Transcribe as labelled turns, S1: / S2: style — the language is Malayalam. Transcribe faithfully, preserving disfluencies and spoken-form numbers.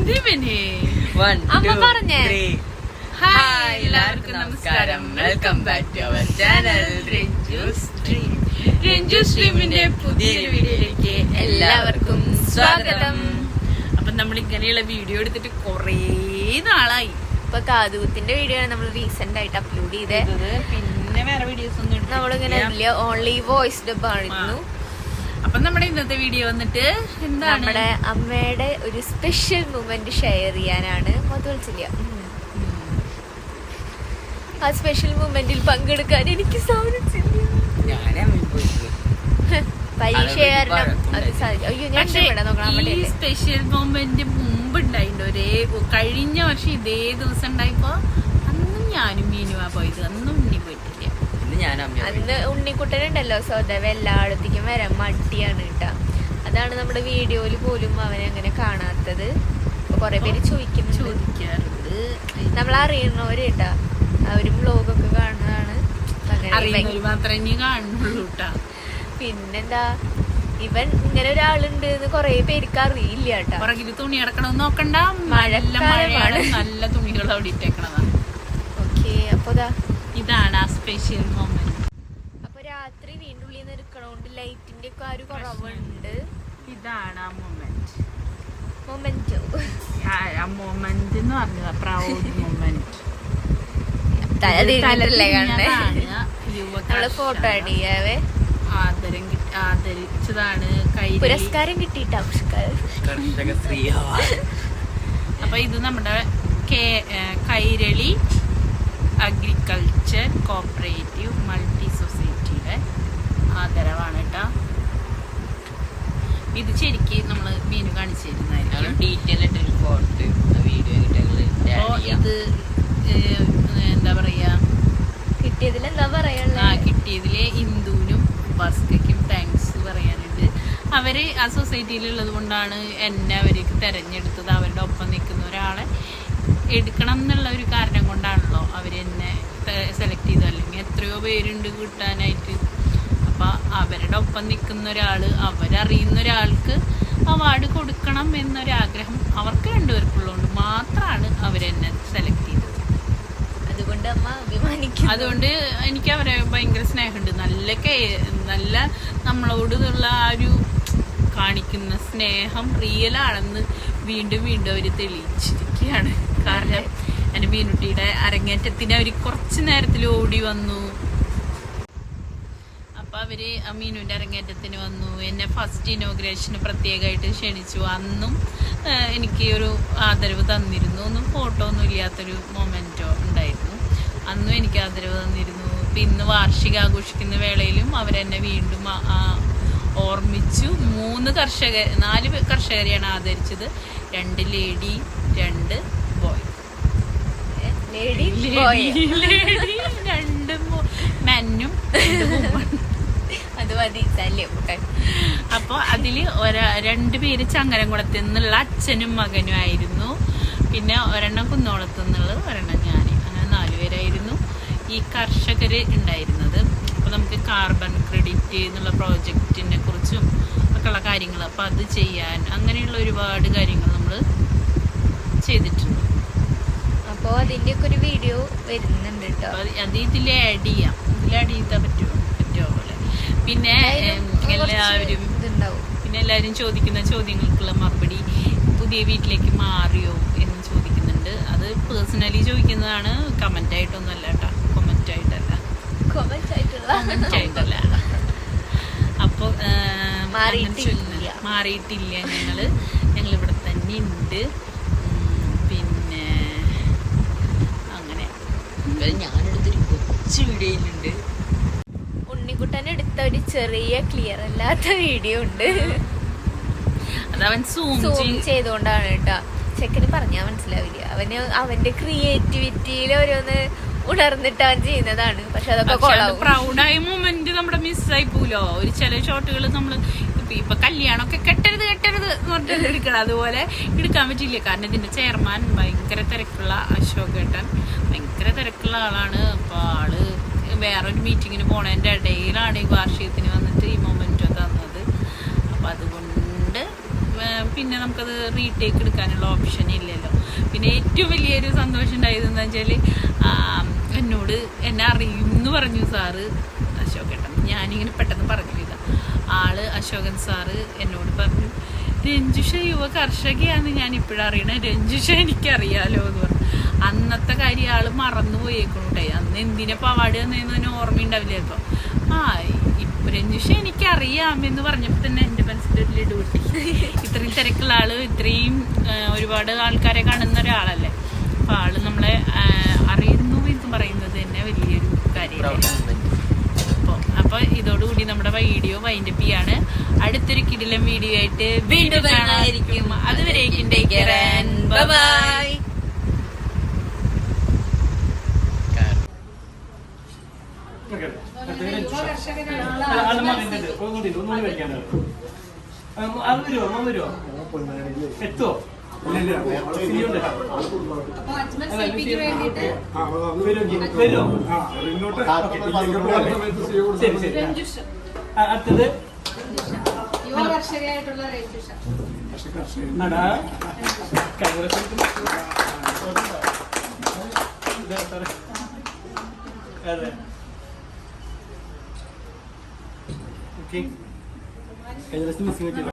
S1: അമ്മ പറഞ്ഞേ ഹായ് എല്ലാവർക്കും നമസ്കാരം. Welcome back to our channel Ranju stream. Ranju സ്ട്രീമിന്റെ പുതിയൊരു വീഡിയോയിലേക്ക് എല്ലാവർക്കും സ്വാഗതം. അപ്പൊ നമ്മൾ ഇങ്ങനെയുള്ള വീഡിയോ എടുത്തിട്ട് കൊറേ നാളായി. ഇപ്പൊ കാതുകുത്തിന്റെ വീഡിയോ ആണ് നമ്മൾ റീസെന്റ് ആയിട്ട് അപ്ലോഡ് ചെയ്തത്. പിന്നെ വേറെ വീഡിയോസ് ഒന്നും നമ്മളിങ്ങനെ ഓൺലി വോയിസ് ഡബ് ആയിരുന്നു. അപ്പൊ നമ്മുടെ ഇന്നത്തെ വീഡിയോ വന്നിട്ട് എന്താണ്, നമ്മുടെ അമ്മയുടെ ഒരു സ്പെഷ്യൽ മൊമെന്റ് ഷെയർ ചെയ്യാനാണ്. മൊത്തം ആ സ്പെഷ്യൽ മൊമെന്റിൽ പങ്കെടുക്കാൻ എനിക്ക് സാധിച്ചില്ല. പരീക്ഷ കാരണം അത് സാധിക്കും. അയ്യോ ഞാൻ ഈ സ്പെഷ്യൽ മൊമെന്റ് മുമ്പ് ഉണ്ടായിട്ടുണ്ട്. ഒരേ കഴിഞ്ഞ വർഷം ഇതേ ദിവസം ഉണ്ടായപ്പോ അന്നും ഞാനും മീനുവാ പോയത്. അന്നും ഉണ്ണി പോയിട്ടില്ല. അന്ന് ഉണ്ണിക്കുട്ടനുണ്ടല്ലോ സ്വതവ എല്ലായിടത്തേക്കും വരാൻ മടിയാണ് കേട്ടാ. അതാണ് നമ്മുടെ വീഡിയോയില് പോലും അവനെ അങ്ങനെ കാണാത്തത്. കൊറേ പേര് ചോദിക്കും ചോദിക്കാറുണ്ട്. നമ്മൾ അറിയുന്നവര് കേട്ടാ, അവരും വ്ലോഗൊക്കെ കാണുന്നതാണ്. മാത്രമേ കാണുന്നുള്ളൂ കേട്ടാ. പിന്നെന്താ, ഇവൻ ഇങ്ങനെ ഒരാളുണ്ട് എന്ന് കൊറേ പേർക്ക് അറിയില്ല കേട്ടാ. പുറകില് തുണി കിടക്കണമെന്ന് നോക്കണ്ട, മഴക്കാലമാണ്. നല്ല തുണികൾ അവിടെ ഇട്ടേക്കണതാണ്. ഓക്കെ, അപ്പൊ ഇതാണ് ആ സ്പെഷ്യൽ മൊമെന്റ്. അപ്പൊ രാത്രി വീണ്ടും ഉള്ളിൽ നിന്ന് എടുക്കണോണ്ട് ലൈറ്റിന്റെ ഒക്കെ ആ ഒരു കുറവുണ്ട്. ഇതാണ് ആ മൊമെന്റ്. മൊമെന്റോ ആ മൊമെന്റ് എന്ന് പറഞ്ഞതാ, പ്രൗഡ് മൊമെന്റ്. ഫോട്ടോ അടിയാവേ ആദരം ആദരിച്ചതാണ്. പുരസ്കാരം കിട്ടിയിട്ടാ അപ്പൊ ഇത് നമ്മുടെ കൈരളി അഗ്രികൾച്ചർ കോപ്പറേറ്റീവ് മൾട്ടി സൊസൈറ്റിയുടെ ആദരവാണ് കേട്ടോ. ഇത് ശരിക്കും നമ്മള് മീനു കാണിച്ചു തരുന്നതായിരിക്കും. ഡീറ്റെയിൽ ആയിട്ടൊരു ഫോട്ടോ വീഡിയോ. ഇത് എന്താ പറയാ, കിട്ടിയതിൽ എന്താ പറയാ, ആ കിട്ടിയതിലെ ഇന്ദുവിനും ഭാസ്കയ്ക്കും താങ്ക്സ് പറയാനുണ്ട്. അവര് ആ സൊസൈറ്റിയിൽ ഉള്ളത് കൊണ്ടാണ് എന്നെ അവർക്ക് തെരഞ്ഞെടുത്തത്. അവരുടെ ഒപ്പം നിൽക്കുന്ന ഒരാളെ എടുക്കണം എന്നുള്ള ഒരു കാരണം കൊണ്ടാണല്ലോ അവരെന്നെ സെലക്ട് ചെയ്തത്. അല്ലെങ്കിൽ എത്രയോ പേരുണ്ട് കിട്ടാനായിട്ട്. അപ്പൊ അവരുടെ ഒപ്പം നിൽക്കുന്ന ഒരാള്, അവരറിയുന്ന ഒരാൾക്ക് അവാർഡ് കൊടുക്കണം എന്നൊരാഗ്രഹം അവർക്ക് രണ്ടുപേർക്കുള്ളതുകൊണ്ട് മാത്രമാണ് അവരെന്നെ സെലക്ട് ചെയ്തത്. അതുകൊണ്ട് അമ്മ അഭിമാനിക്കും. അതുകൊണ്ട് എനിക്ക് അവരെ ഭയങ്കര സ്നേഹമുണ്ട്. നല്ല നല്ല നമ്മളോടുള്ള ആ ഒരു കാണിക്കുന്ന സ്നേഹം റിയൽ ആണെന്ന് വീണ്ടും വീണ്ടും അവര് തെളിയിച്ചിരിക്കുകയാണ്. കാരണം എൻ്റെ മീനുട്ടിയുടെ അരങ്ങേറ്റത്തിന് അവര് കുറച്ചു നേരത്തിൽ ഓടി വന്നു. അപ്പൊ അവര് ആ മീനുവിന്റെ അരങ്ങേറ്റത്തിന് വന്നു. എന്നെ ഫസ്റ്റ് ഇനോഗ്രേഷന് പ്രത്യേകമായിട്ട് ക്ഷണിച്ചു. അന്നും എനിക്ക് ഒരു ആദരവ് തന്നിരുന്നു. ഒന്നും ഫോട്ടോ ഒന്നും ഇല്ലാത്തൊരു മൊമെന്റോ ഉണ്ടായിരുന്നു. അന്നും എനിക്ക് ആദരവ് തന്നിരുന്നു. ഇപ്പൊ ഇന്ന് വാർഷിക ആഘോഷിക്കുന്ന വേളയിലും അവരെന്നെ വീണ്ടും ഓർമ്മിച്ചു. മൂന്ന് കർഷകർ നാല് കർഷകരെയാണ് ആദരിച്ചത്. രണ്ട് ലേഡി, രണ്ട് ബോയ്. രണ്ട് മെന്നും അത് മതി. അപ്പൊ അതില് ഒരാ രണ്ടുപേര് ചങ്ങരംകുളത്ത് നിന്നുള്ള അച്ഛനും മകനും ആയിരുന്നു. പിന്നെ ഒരെണ്ണം കുന്നോളത്ത് നിന്നുള്ളത്, ഒരെണ്ണം ഞാൻ. അങ്ങനെ നാലുപേരായിരുന്നു ഈ കർഷകര് ഉണ്ടായിരുന്നത്. അപ്പൊ നമുക്ക് കാർബൺ ക്രെഡിറ്റ് എന്നുള്ള പ്രോജക്റ്റിനെ കുറിച്ചും ഒക്കെയുള്ള കാര്യങ്ങൾ, അപ്പൊ അത് ചെയ്യാൻ അങ്ങനെയുള്ള ഒരുപാട് കാര്യങ്ങൾ നമ്മൾ ചെയ്തിട്ടുണ്ട്. അപ്പോൾ അതിന്റെ ഒക്കെ ഒരു വീഡിയോ വരുന്നുണ്ട് കേട്ടോ. അത് ഇതിൽ ആഡ് ചെയ്യാം. ഇതിൽ ആഡ് ചെയ്താൽ പറ്റുമോ പറ്റുമോ പോലെ. പിന്നെ എല്ലാവരും ഇതുണ്ടാവും. പിന്നെ എല്ലാവരും ചോദിക്കുന്ന ചോദ്യങ്ങൾക്കുള്ള മറുപടി, പുതിയ വീട്ടിലേക്ക് മാറിയോ എന്ന് ചോദിക്കുന്നുണ്ട്. അത് പേഴ്സണലി ചോദിക്കുന്നതാണ്, കമന്റ് ആയിട്ടൊന്നും അല്ല കേട്ടോ. കൊമന്റ് ആയിട്ടല്ല കൊമന്റ് ആയിട്ടല്ല. അപ്പൊ മാറിയിട്ടില്ല ഞങ്ങള് ഞങ്ങൾ ഇവിടെ തന്നെ ഉണ്ട്. പിന്നെ അങ്ങനെ ഞാനെടുത്തൊരു കൊച്ചു വീഡിയോയിലുണ്ട്. ഉണ്ണിക്കുട്ടൻ എടുത്ത ഒരു ചെറിയ ക്ലിയർ അല്ലാത്ത വീഡിയോ ഉണ്ട്. അതവൻ സൂം ചെയ്തോണ്ടാണ് കേട്ടാ. ചെക്കന് പറഞ്ഞാൽ മനസ്സിലാവില്ല. അവന് അവന്റെ ക്രിയേറ്റിവിറ്റിയിൽ ഓരോന്ന് ഉണർന്നിട്ട് അവൻ ചെയ്യുന്നതാണ്. പക്ഷെ അതൊക്കെ പ്രൗഡായ മൊമെന്റ് നമ്മുടെ മിസ്സായി പോലോ. ഒരു ചില ഷോട്ടുകൾ നമ്മള് ഇപ്പൊ കല്യാണമൊക്കെ കെട്ടരുത് കെട്ടരുത് എന്ന് പറഞ്ഞിട്ട് എടുക്കണം. അതുപോലെ എടുക്കാൻ പറ്റില്ല. കാരണം ഇതിന്റെ ചെയർമാൻ ഭയങ്കര തിരക്കുള്ള അശോക് ഏട്ടൻ ഭയങ്കര തിരക്കുള്ള ആളാണ്. അപ്പൊ ആള് വേറൊരു മീറ്റിങ്ങിന് പോണതിന്റെ ഇടയിലാണ് ഈ വാർഷികത്തിന് വന്നിട്ട് ഈ മൊമെന്റ് തന്നത്. അപ്പൊ അതുകൊണ്ട് പിന്നെ നമുക്കത് റീടേക്ക് എടുക്കാനുള്ള ഓപ്ഷൻ ഇല്ലല്ലോ. പിന്നെ ഏറ്റവും വലിയൊരു സന്തോഷം ഉണ്ടായത് എന്താ വെച്ചാൽ എന്നോട് എന്നെ അറിയുമെന്ന് പറഞ്ഞു സാറ് അശോകേട്ടൻ. ഞാനിങ്ങനെ പെട്ടെന്ന് പറഞ്ഞില്ല. ആള് അശോകൻ സാറ് എന്നോട് പറഞ്ഞു, രഞ്ജുഷ യുവ കർഷകയാന്ന് ഞാൻ ഇപ്പോഴും അറിയണേ, രഞ്ജുഷ എനിക്കറിയാലോ എന്ന് പറഞ്ഞു. അന്നത്തെ കാര്യം ആള് മറന്നു പോയേക്കണുണ്ടേ. അന്ന് എന്തിനാ അവാർഡ് തന്നേന്ന് ഓർമ്മയുണ്ടാവില്ല. ഇപ്പൊ ആ ഇപ്പൊ രഞ്ജുഷ എനിക്കറിയാം എന്ന് പറഞ്ഞപ്പോൾ തന്നെ എൻ്റെ മനസ്സിലൊരു ഡ്യൂട്ടി. ഇത്രയും തിരക്കുള്ള ആള്, ഇത്രയും ഒരുപാട് ആൾക്കാരെ കാണുന്ന ഒരാളല്ലേ. അപ്പൊ ആള് നമ്മളെ അറിയുന്നു എന്ന് പറയുന്നത് തന്നെ വലിയൊരു കാര്യമാണ്. അപ്പോൾ അപ്പൊ ഇതോടുകൂടി നമ്മുടെ വീഡിയോ വൈൻഡപ്പ് ചെയ്യാണ്. അടുത്തൊരു കിടിലൻ വീഡിയോ ആയിട്ട് വീണ്ടും കാണാതിരിക്കും. അതുവരേക്കും ടേക്ക് കെയർ ആൻഡ് ബൈ.
S2: എത്തുവോ? അടുത്തത്
S3: യുവ കർഷകയായിട്ടുള്ള രഞ്ജുഷ.
S2: അതെ ഓക്കെ. കഴിഞ്ഞ ദിവസം മിസ്സിംഗ്